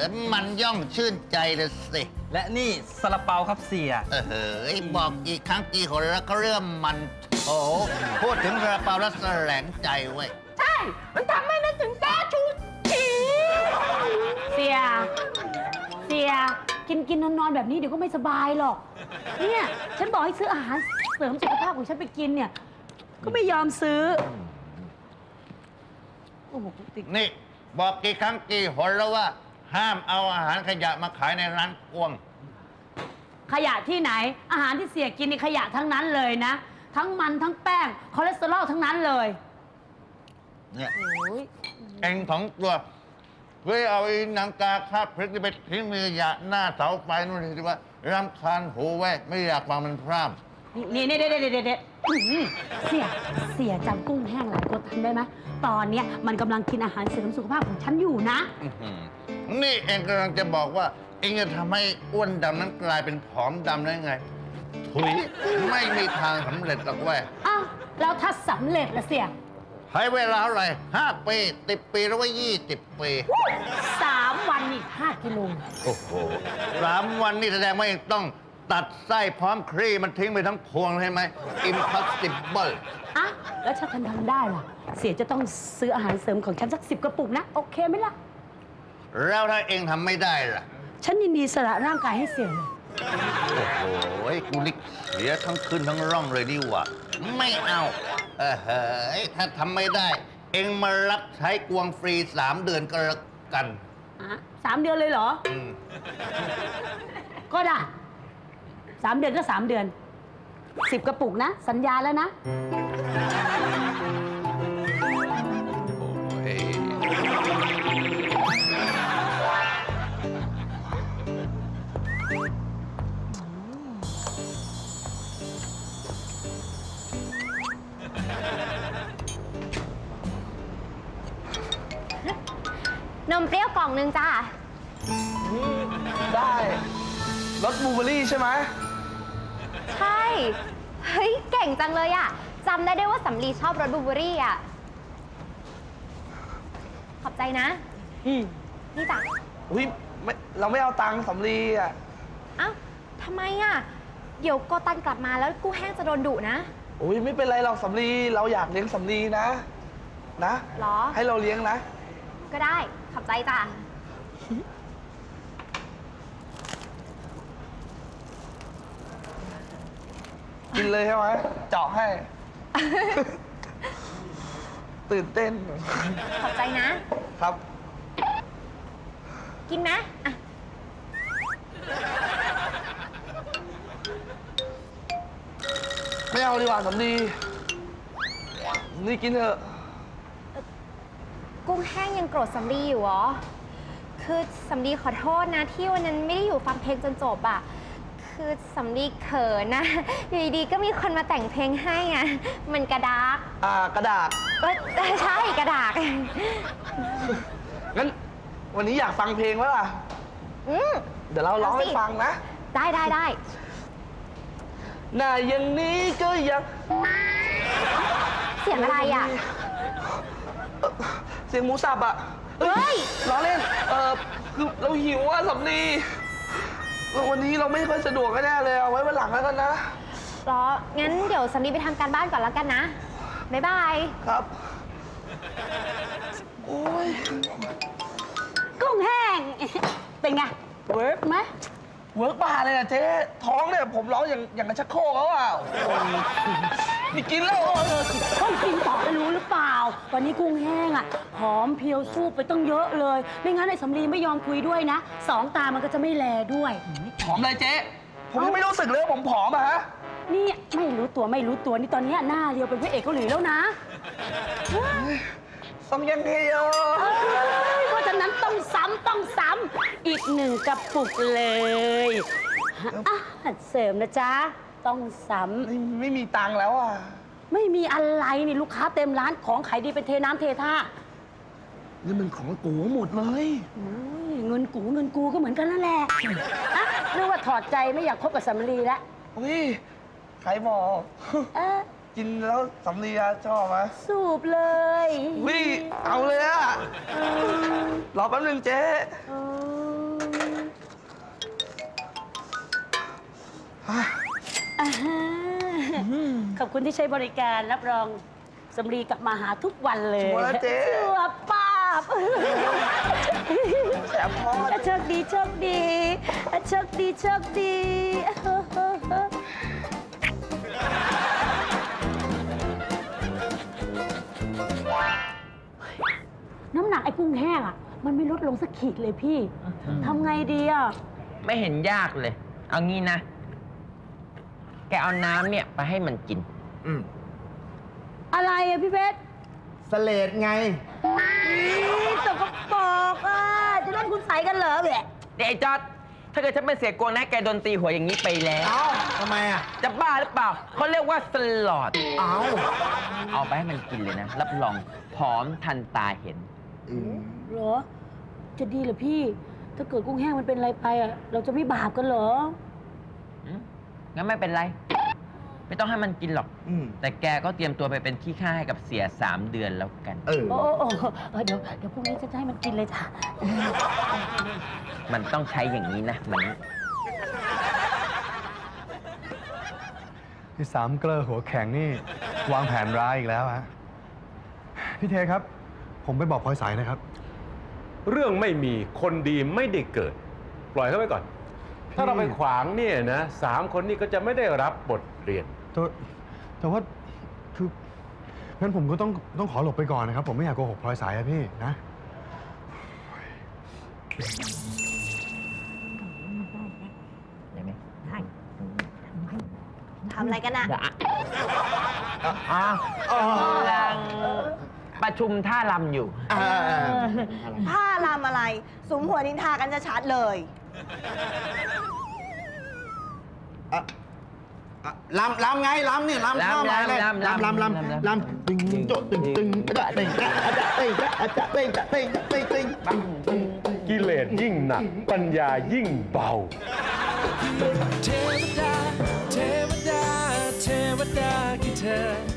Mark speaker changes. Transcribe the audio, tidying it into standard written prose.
Speaker 1: มันย่อมชื่นใจเลยสิ
Speaker 2: และนี่ซาลาเปาครับเสีย
Speaker 1: บอกกี่ครั้งกี่หนแล้วก็เรื่องมันโอ้พูดถึงซาลาเปาแล้วแสลงใจเว้ย
Speaker 3: ใช่ มันทำให้นึกถึงแซ่ชูชีเสียกินนอนแบบนี้เดี๋ยวก็ไม่สบายหรอกเนี่ยฉันบอกให้ซื้ออาหารเสริมสุขภาพของฉันไปกินเนี่ยก็ไม่ยอมซื้อโอ้โหติด
Speaker 1: นี่บอกกี่ครั้งกี่หนแล้วว่า ห้ามเอาอาหารขยะมาขายในร้านกวง
Speaker 3: ขยะที่ไหนอาหารที่เสียกินนี่ขยะทั้งนั้นเลยนะทั้งมันทั้งแป้งคอเลสเตอรอลทั้งนั้นเลย
Speaker 1: เนี่ย
Speaker 3: โอ้ย
Speaker 1: เองของตัวเพื่อเอาไอ้หนังกาคาบพริกนี่ไปทิ้งมีขยะหน้าเสาไฟนู่นที่ว่ารำคาญหูไว้ไม่อยากฟังมันพร่ำ
Speaker 3: นี่เด็ดเสียจำกุ้งแห้งหลายตัวทันได้ไหมตอนเนี้ยมันกำลังกินอาหารเสริมสุขภาพของฉันอยู่นะ
Speaker 1: นี่เองกำลังจะบอกว่า เองจะทำให้อ้วนดำนั้นกลายเป็นผอมดำได้ไงถุยไม่มีทางสำเร็จหรอกเว้ย
Speaker 3: อ้าวแล้วถ้าสำเร็จละเสีย
Speaker 1: ใช้เวลาเท่าไหร่5 ปี10 ปีหรือว่า20 ปี
Speaker 3: 3 วันอีก5 กิโล
Speaker 1: โอ้โห3 วันนี่แสดงว่าเองต้องตัดไส้พร้อมครีมันทิ้งไปทั้งพวงใช่ไหม impossible
Speaker 3: อ่ะแล้วถ้าฉันทำได้ล่ะ เสียจะต้องซื้ออาหารเสริมของฉันสัก10 กระปุกนะ โอเคไหมล่ะ
Speaker 1: แล้วถ้าเองทำไม่ได้ล่ะ
Speaker 3: ฉันยินดีสละร่างกายให้เสียเลย
Speaker 1: โอ้โหกูนี่เสียทั้งขึ้นทั้งร่องเลยดีกว่า ไม่เอาเฮ้ยถ้าทำไม่ได้ เองมารับใช้กวงฟรี3 เดือนก็แล้วกัน
Speaker 3: อ่ะ3 เดือนเลยเหรอ
Speaker 1: อืม
Speaker 3: ก็ได้3 เดือนก็3 เดือน10 กระปุกนะ สัญญาแล้วนะ
Speaker 1: โอ้ย
Speaker 4: นมเปรี้ยวกล่องนึงจ้า
Speaker 2: ได้รสบลูเบอร์รี่ใช่ไหม
Speaker 4: ใช่ เฮ้ย เก่งจังเลยอะจำได้ด้วยว่าสำลีชอบรสบลูเบอร์รี่อะขอบใจนะ นี่จ้ะ
Speaker 2: อุ้ยเราไม่เอาตังค์สำลีอ่ะ
Speaker 4: เอ้าทำไมอะเดี๋ยวโกตันกลับมาแล้วกู้แห้งจะโดนดุนะ
Speaker 2: อุ้ยไม่เป็นไรหรอกสำลีเราอยากเลี้ยงสำลีนะ
Speaker 4: หรอ
Speaker 2: ให้เราเลี้ยงนะ
Speaker 4: ก็ได้ ขอบใจจ้ะ
Speaker 2: กินเลยใช่ไหมเจาะให้ ตื่นเต้น
Speaker 4: ขอบใจนะ
Speaker 2: ครับ
Speaker 4: กินไหมอะ
Speaker 2: ไม่เอาดีกว่าสำลีนี่กินเถอะ
Speaker 4: กุ้งแห้งยังโกรธสำลีอยู่เหรอ คือสำลีขอโทษนะที่วันนั้นไม่ได้อยู่ฟังเพลงจนจบอะคือสำลีเขินนะ อยู่ดีๆก็มีคนมาแต่งเพลงให้อะมันกระดาก
Speaker 2: กระดาษ
Speaker 4: ใช่กระดาก
Speaker 2: งั้นวันนี้อยากฟังเพลงไหมล่ะ
Speaker 4: อืม
Speaker 2: เดี๋ยวเราร้องให้ฟังนะ
Speaker 4: ได้
Speaker 2: หน้าอย่างนี้ก็ยัง
Speaker 4: เสียงอะไรอะ
Speaker 2: เสียงหมูสับอ่ะ
Speaker 4: เฮ้ย
Speaker 2: ล้อเล่น คือเราหิวอ่ะสำลีวันนี้เราไม่ค่อยสะดวกแน่เลยเอาไว้วันหลังแล้วกันนะ
Speaker 4: รอ งั้นเดี๋ยวสำลีไปทำการบ้านก่อนแล้วกันนะ บ๊ายบาย
Speaker 2: ครับ โอ้ย
Speaker 3: กุ้งแห้ง เป็นไง เวิร์กไหม
Speaker 2: เวิร์กบ้าเลยอ่ะเจ๊ท้องเนี่ยผมร้องอย่างกระชักโครกแล้วอ่ะโอ้ยนี่กินแล้ว
Speaker 3: ต้องกินต่อไปรู้หรือเปล่า วันนี้กุ้งแห้งอ่ะหอมเพียวสู้ไปต้องเยอะเลย ไม่งั้นไอ้สำลีไม่ยอมคุยด้วยนะ2 ตามันก็จะไม่แลด้วย
Speaker 2: ผอมเลยเจ๊ผมยังไม่รู้สึกเลยว่าผมผอมอะฮะ
Speaker 3: นี่ไม่รู้ตัวนี่ตอนเนี้ยหน้าเรียวเป็นพระเอกเกาหลีแล้วนะ
Speaker 2: ซัมยังเฮโย
Speaker 3: เพราะฉะนั้นต้องซ้ำอีก1 กระปุกเลยอาหารเสริมนะจ๊ะต้องซ้
Speaker 2: ไม่มีตังค์แล้วอ่ะ
Speaker 3: ำไม่มีอะไรนี่ลูกค้าเต็มร้านของขายดีเป็นเทน้ำเทท่า
Speaker 2: นี่มันของกูหมดเลย
Speaker 3: อุ้ยเงินกูก็เหมือนกันนั่นแหละอะเรียกว่าถอดใจไม่อยากคบกับสำลีแล้ว
Speaker 2: อุ้ยใครบอก
Speaker 3: เอ๊ะ
Speaker 2: กินแล้วสำลีอะชอบไหม
Speaker 3: สูบเลย
Speaker 2: อุ้ยเอาเลยอะรอแป๊บนึงเจ๊
Speaker 3: อืมอ่าฮะขอบคุณที่ใช้บริการรับรองสำลีกลับมาหาทุกวันเลย
Speaker 2: ชัวร์นะเจ๊
Speaker 3: ชัวร์ป้าบ
Speaker 2: แสบคอ
Speaker 3: โชคดีโชคดีโชคดีโชคดีน้ำหนักไอ้กุ้งแห้งอ่ะ มันไม่ลดลงสักขีดเลยพี่ทำไงดีอ่ะ
Speaker 5: ไม่เห็นยากเลย เอางี้นะ แกเอาน้ำเนี่ยไปให้มันกิน
Speaker 3: อะไรอ่ะพี่เพชร
Speaker 6: สเลดไง
Speaker 3: ตกกระปอกอ่ะจะเล่นคุณใสกันเหรอแหละ
Speaker 5: เดี๋ยวไอ้จอดถ้าเกิดฉันเป็นเสียกวงนะแกโดนตีหัวอย่างนี้ไปแล้ว
Speaker 6: เอ้าทำไมอ่ะ
Speaker 5: จะบ้าหรือเปล่า เขาเรียกว่าสลอด
Speaker 6: เอ้า
Speaker 5: เอาไปให้มันกินเลยนะ รับรองผอมทันตาเห็น
Speaker 3: เหรอ จะดีเหรอพี่ ถ้าเกิดกุ้งแห้งมันเป็นอะไรไปอ่ะ เราจะไม่บาปกันเหรอ
Speaker 5: งั้นไม่เป็นไร ไม่ต้องให้มันกินหรอก
Speaker 6: อืม
Speaker 5: แต่แกก็เตรียมตัวไปเป็นขี้ข้าให้กับเสีย3 เดือนแล้วกัน
Speaker 6: เออ
Speaker 3: โอ้เดี๋ยวพรุ่งนี้จะให้มันกินเลยจ้ะ
Speaker 5: มันต้องใช้อย่างนี้นะ มัน
Speaker 7: ที่สามเกลอหัวแข็งนี่ วางแผนร้ายอีกแล้วฮะพี่เทครับ ผมไปบอกพลอยสายนะครับ
Speaker 8: เรื่องไม่มีคนดีไม่ได้เกิด ปล่อยเขาไปก่อน ถ้าเราไปขวางเนี่ยนะ3 คนนี้ก็จะไม่ได้รับบทเรียน
Speaker 7: แต่ว่าคืองั้นผมก็ต้องขอหลบไปก่อนนะครับ ผมไม่อยากโกหกพลอยสายอะพี่นะ
Speaker 5: ได้ไหม
Speaker 4: ทำอะไรกันอะ
Speaker 5: อ้าวกำลังประชุมท่ารำอยู่
Speaker 9: ผ้าลำอะไร สุมหัวนินทากันจะชัดเลย
Speaker 6: ลำไงลำเนี่ยลำข้าวมาเลยลำตึงโจตึงตึงจะตึงจะตึงจะตึงจะตึงจะตึงตึง
Speaker 8: กิเลสยิ่งหนัก ปัญญายิ่งเบา
Speaker 10: เทวดา เทวดา เทวดาคือเธอ